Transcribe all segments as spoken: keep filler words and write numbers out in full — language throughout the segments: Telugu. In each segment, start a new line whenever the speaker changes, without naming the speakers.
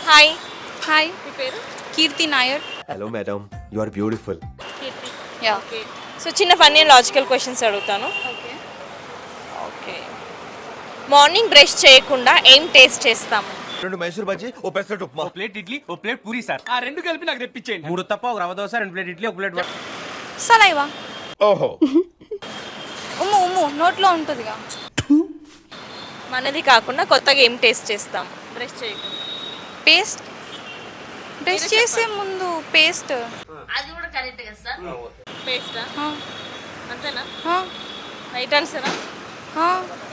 హాయ్.
హాయ్,
మీ పేరు?
Keerthy Nair.
Hello madam, you are beautiful.
Keerthy.
Yeah.
Okay. So చిన్న ఫన్నీ లాజికల్ క్వశ్చన్స్ అడుగుతాను.
ఓకే.
ఓకే. మార్నింగ్ బ్రష్ చేయకుండా ఏం టేస్ట్ చేస్తాము?
రెండు మైసూర్ బజ్జీ, ఓ పెసరట్ ఉప్మా.
ఓ ప్లేట్ ఇడ్లీ, ఓ ప్లేట్ పూరి సార్. ఆ రెండు కలిపి నాకు తెప్పించేయండి. మూడు తప్ప ఒక రవ దోశ, రెండు ప్లేట్ ఇడ్లీ, ఒక ప్లేట్
సలైవా.
ఓహో.
ఉమ్ము ఉమ్ము నోట్లో ఉంటుందిగా.
మనది కాకుండా కొత్తగా ఏం టేస్ట్ చేస్తాము బ్రష్ చేయకుండా?
పేస్ట్. బ్రష్ చేసే ముందు పేస్ట్.
అది కూడా కరెక్ట్ కదా సార్? పేస్టా?
ఆ,
అంతేనా?
ఆ,
రైట్ ఆన్సరా?
ఆ.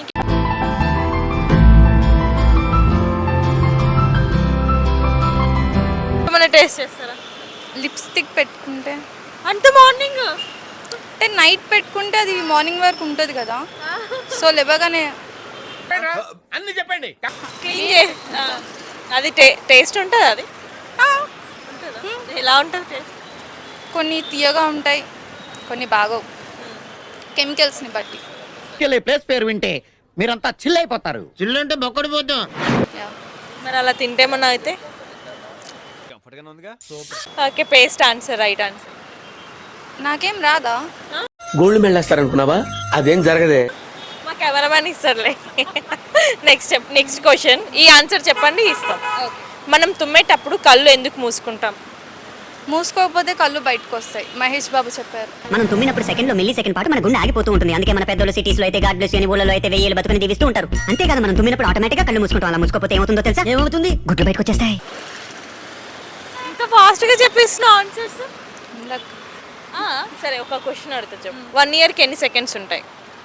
ఏమైనా టేస్ట్ చేస్తారా?
లిప్స్టిక్ పెట్టుకుంటే
అంత మార్నింగ్
అంటే నైట్ పెట్టుకుంటే అది మార్నింగ్ వరకు ఉంటుంది కదా, సో లేవగానే
అన్ని చెప్పండి.
క్లీన్ చే అది టే- టేస్ట్ ఉంటుంది. అది
ఆ,
ఎలా ఉంటుంది టేస్ట్?
కొన్ని తీయగా ఉంటాయి, కొన్ని బాగోవు, కెమికల్స్ని బట్టి.
ఈ ప్లేస్ పేరు వింటే మీరంతా చిల్ అయిపోతారు. చిల్ అంటే బొక్కడి పోతాం.
యా.
మరి అలా తింటేమన్నా అయితే?
కంఫర్ట్ గానే ఉందిగా.
Okay, paste answer, right answer.
నాకేం రాదా?
గోల్డ్ మెడల్ వేస్తారనుకున్నావా? అదేం జరగదే.
మా కెమెరామ్యాన్ ఇస్తారులే. నెక్స్ట్ నెక్స్ట్ క్వశ్చన్, ఈ ఆన్సర్ చెప్పండి ఇస్తాం. మనం తుమ్మేటప్పుడు కళ్ళు ఎందుకు మూసుకుంటాం?
మూసుకోకపోతే కళ్ళు బయటకు వస్తాయి, మహేష్ బాబు చెప్పారు.
మనం తుమ్మినప్పుడు సెకండ్ లో మిల్లీ సెకండ్ పాటు మన గుండె ఆగిపోతూ ఉంటుంది. అందుకే మన పెద్దలు సిటీస్ లో అయితే గాడ్ బ్లెస్ అని ఊళ్ళలో అయితే వెయ్యేళ్ళు బతుకుని దీవిస్తూ ఉంటారు. అంతేకాదు మనం తుమ్మినప్పుడు ఆటోమేటిక్ గా కళ్ళు మూసుకుంటాం. అలా మూసుకోపోతే ఏమవుతుందో తెలుసా? ఏమవుతుంది? గుడ్లు బయటకు వచ్చేస్తాయి.
ఇంత ఫాస్ట్ గా చెప్పేస్తున్నావు ఆన్సర్స్.
ఇందాక
సరే, ఒక క్వశ్చన్ అడుగుతా చెప్పు. వన్ ఇయర్కి ఎన్ని సెకండ్స్ ఉంటాయి?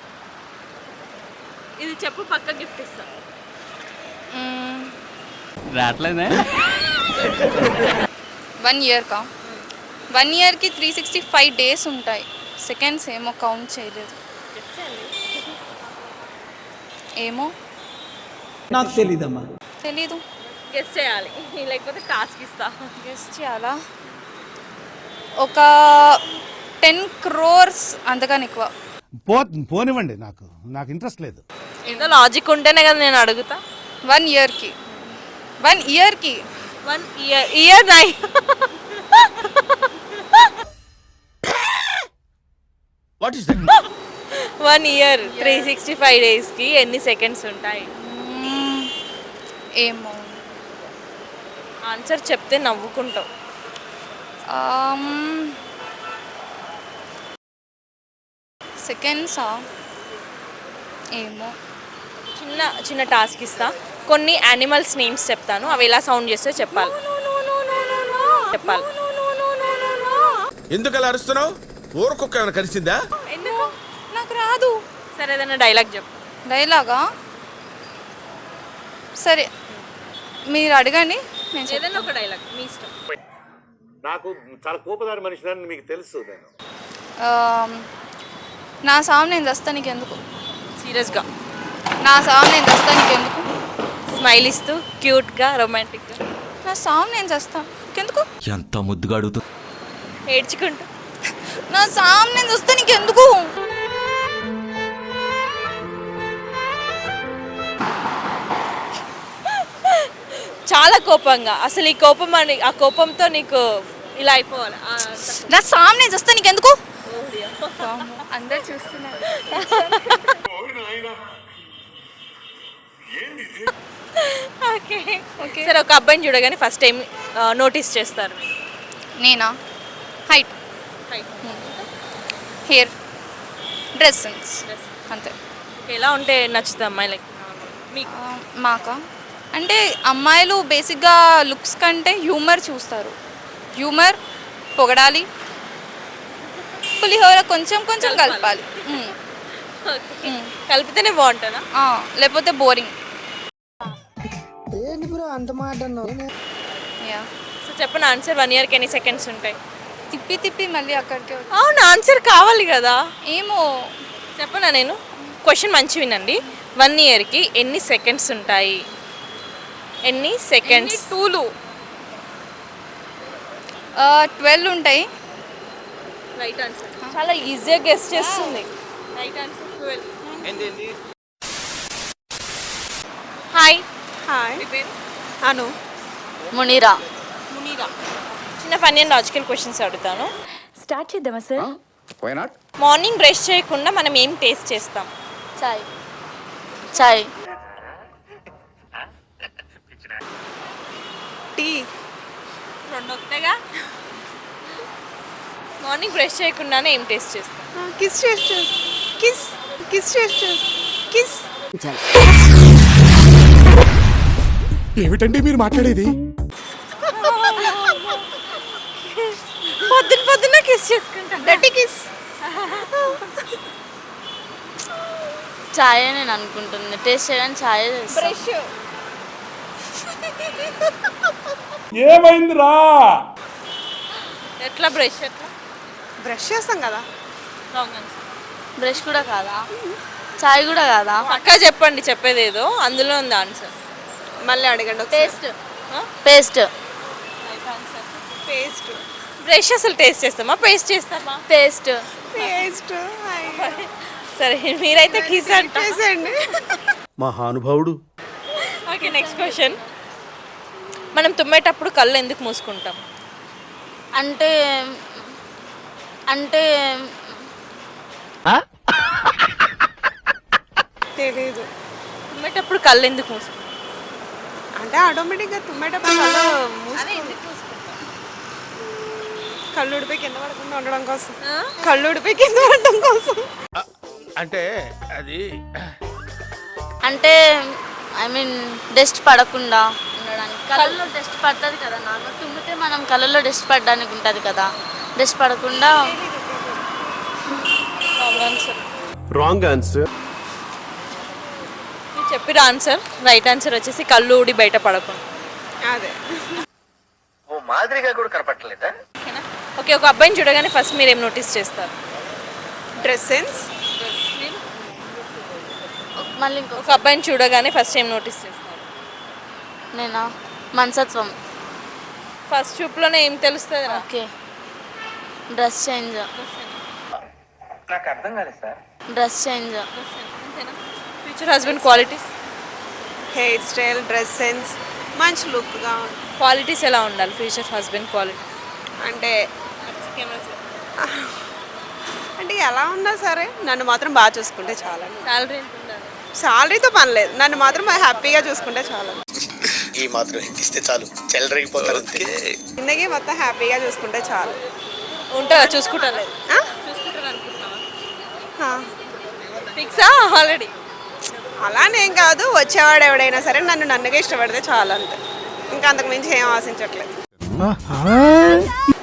ఇది చెప్పు, పక్క గిఫ్ట్ ఇస్తా.
మ్మ్,
రావట్లేదే.
వన్ ఇయర్కా? వన్ ఇయర్కి త్రీ సిక్స్టీ ఫైవ్ డేస్ ఉంటాయి. సెకండ్స్ ఏమో కౌంట్ చేయలేదు. ఏమో
నాకు తెలీదమ్మా.
తెలీదు.
గెస్ చేయాలి, లేకపోతే టాస్క్ ఇస్తా.
గెస్ చేయాలా? ఒక టెన్ క్రోర్స్, అంతకని ఎక్కువ.
పో పోనివ్వండి, నాకు నాకు ఇంట్రెస్ట్ లేదు.
ఏదో లాజిక్ ఉంటేనే కదా నేను అడుగుతా.
వన్ ఇయర్కి వన్ ఇయర్కి
వన్ ఇయర్ ఇయర్ నై
what is that?
One year three sixty five డేస్కి ఎన్ని సెకండ్స్ ఉంటాయి?
మ్మ్, ఏమో.
ఆన్సర్ చెప్తే నవ్వుకుంటావు.
సెకండ్సా? ఏమో.
చిన్న చిన్న టాస్క్ ఇస్తా. కొన్ని యానిమల్స్ నేమ్స్ చెప్తాను, అవి ఎలా సౌండ్ చేస్తే చెప్పాలి. చెప్పాలి.
ఎందుకు అలా అరుస్తున్నావు? ఊరకొక్క ఏమైనా కలిసిందా?
ఎందుకు?
నాకు రాదు.
సరే, ఏదైనా డైలాగ్ చెప్పు.
డైలాగా? సరే, మీరు అడగండి, నేను చెప్తాను.
ఏదైనా ఒక డైలాగ్ మీ ఇష్టం.
నాకు చాలా కోపదారి మనిషిని మీకు తెలుసు. నేను
ఆమ్, నా సాగు నేను చస్తా నీకు ఎందుకు?
సీరియస్గా
నా సాగు నేను చస్తా నీకు ఎందుకు?
స్మైల్ ఇస్తూ క్యూట్గా రొమాంటిక్గా.
నా సాగు నేను చస్తా నీకెందుకు?
ఎంత ముద్దుగా అడుగుతూ.
ఏడ్చుకుంటూ.
నా సాగు నేను చస్తా నీకెందుకు?
చాలా కోపంగా. అసలు ఈ కోపం అని, ఆ కోపంతో నీకు ఇలా అయిపోవాలి. ఆ,
నా సాగు నేను చస్తా నీకెందుకు? అందరు చూస్తున్నారు.
ఓకే ఓకే సరే, ఒక అబ్బాయిని చూడగానే ఫస్ట్ టైం నోటీస్ చేస్తారు?
నేనా? హైట్, హెయిర్, డ్రెస్ సెన్స్, అంతే.
ఎలా ఉంటే నచ్చుతుంది అమ్మాయి? లైక్ మీకు?
ఆ, మాకా అంటే అమ్మాయిలు బేసిక్గా లుక్స్ కంటే హ్యూమర్ చూస్తారు. హ్యూమర్, పొగడాలి, పులిహోర కొంచెం కొంచెం కలపాలి. మ్మ్. మ్మ్.
కలిపితేనే బాగుంటుందా?
ఆ, లేకపోతే బోరింగ్. యా.
సో చెప్పిన ఆన్సర్, వన్ ఇయర్కి ఎన్ని సెకండ్స్ ఉంటాయి?
తిప్పి తిప్పి మళ్ళీ అక్కడికే వచ్చి-
అవును, ఆన్సర్ కావాలి కదా.
ఏమో.
చెప్పనా నేను? క్వశ్చన్ మంచి వినండి. వన్ ఇయర్కి ఎన్ని సెకండ్స్ ఉంటాయి? ఎన్ని సెకండ్స్?
టూలు ట్వెల్వ్ ఉంటాయి.
Right answer. చాలా ఈజీగా గెస్ చేస్తుంది. Right answer twelve. Hi.
Hi
మీ పేరు?
అను.
మునీరా.
మునీరా. చిన్న ఫన్నీ అండ్ లాజికల్ క్వశ్చన్స్ అడుగుతాను.
స్టార్ట్ చేద్దామా సార్?
మార్నింగ్ బ్రష్ చేయకుండా మనం ఏం టేస్ట్ చేస్తాం?
చాయ్. చాయ్.
టీ. రెండు ఒకటేగా. మార్నింగ్ బ్రష్ చేయకుండానే ఏం టేస్ట్ చేస్తాం?
కిస్ చేస్తూ కిస్ కిస్ చేస్తూ కిస్.
ఏమిటండి మీరు మాట్లాడేది?
పొద్దున పొద్దున కిస్ చేసుకుంటాం.
Dirty kiss. చాయ్ నేను అనుకుంటుంది. టేస్ట్ చేయడానికి చాయ్
బ్రష్.
ఏమైందిరా?
ఎట్లా బ్రష్ ఎట్లా?
బ్రష్ చేస్తాం కదా.
Wrong answer.
బ్రష్ కూడా కాదా? చాయ్ కూడా కాదా?
పక్కా చెప్పండి, చెప్పేది ఏదో అందులో ఉంది ఆన్సర్.
మళ్ళీ అడగండి. పేస్ట్. పేస్ట్.
పేస్ట్. బ్రష్ అసలు టేస్ట్ చేస్తామా పేస్ట్ చేస్తామా?
పేస్ట్.
పేస్ట్. సరే మీరైతే కిస్ అంటండి.
మహానుభావుడు.
Okay next question. మనం తుమ్మేటప్పుడు కళ్ళు ఎందుకు మూసుకుంటాం?
అంటే అంటే
తెలీదు. తుమ్మేటప్పుడు కళ్ళు ఎందుకు మూసుకుంటాం?
అంటే ఆటోమేటిక్గా తుమ్మేటప్పుడు కళ్ళు మూసుకుంటాం. కళ్ళు ఉడిపోయి కింద పడకుండా ఉండడం కోసం. కళ్ళు ఉడిపోయి కింద పడడం కోసం.
అంటే అది
అంటే ఐ మీన్ డస్ట్ పడకుండా ఉండడానికి. కళ్ళలో డస్ట్ పడుతుంది కదా. నార్మల్ తుమ్మితే మనం కళ్ళలో డస్ట్ పడడానికి ఉంటుంది కదా. డస్ట్ పడకుండా.
Wrong answer.
మీరు చెప్పిన ఆన్సర్ రైట్ ఆన్సర్ వచ్చేసి కళ్ళు ఊడి బయట పడకుండా.
అదే.
ఓ మాదిరిగా కూడా కనపడలేదా?
ఓకేనా? ఓకే, ఒక అబ్బాయిని చూడగానే ఫస్ట్ మీరు ఏం నోటీస్ చేస్తారు?
Dress sense. మళ్ళీ ఇంకో
ఒక అబ్బాయిని చూడగానే ఫస్ట్ ఏం నోటీస్ చేస్తారు?
నేనా మనసత్వం.
ఫస్ట్ చూపులోనే ఏం తెలుస్తుంది?
ఓకే. Dress change.
నాకు అర్థం కాలేదు sir.
Dress change.
Future husband qualities?
Hair style, dress sense, మంచి లుక్గా.
క్వాలిటీస్ ఎలా ఉండాలి ఫ్యూచర్ హస్బెండ్ క్వాలిటీస్?
అంటే అంటే ఎలా ఉన్నా సరే నన్ను మాత్రం బాగా చూసుకుంటే చాలా.
శాలరీ ఎంత ఉండాలి?
శాలరీతో పని లేదు, నన్ను మాత్రం హ్యాపీగా చూసుకుంటే చాలా.
ఈ మాత్రం ఇస్తే చాలు చెల్లరగిపోతారు.
జిందగీ మొత్తం హ్యాపీగా చూసుకుంటే చాలు.
ఉంటారా? చూసుకుంటారా?
ఆ?
చూసుకుంటారు అనుకుంటున్నావా?
ఆ.
ఫిక్సా ఆల్రెడీ?
అలానేం కాదు, వచ్చేవాడు ఎవడైనా సరే నన్ను నన్నుగా ఇష్టపడితే చాలు అంతే. ఇంకా అంతకు మించి ఏం ఆశించట్లేదు.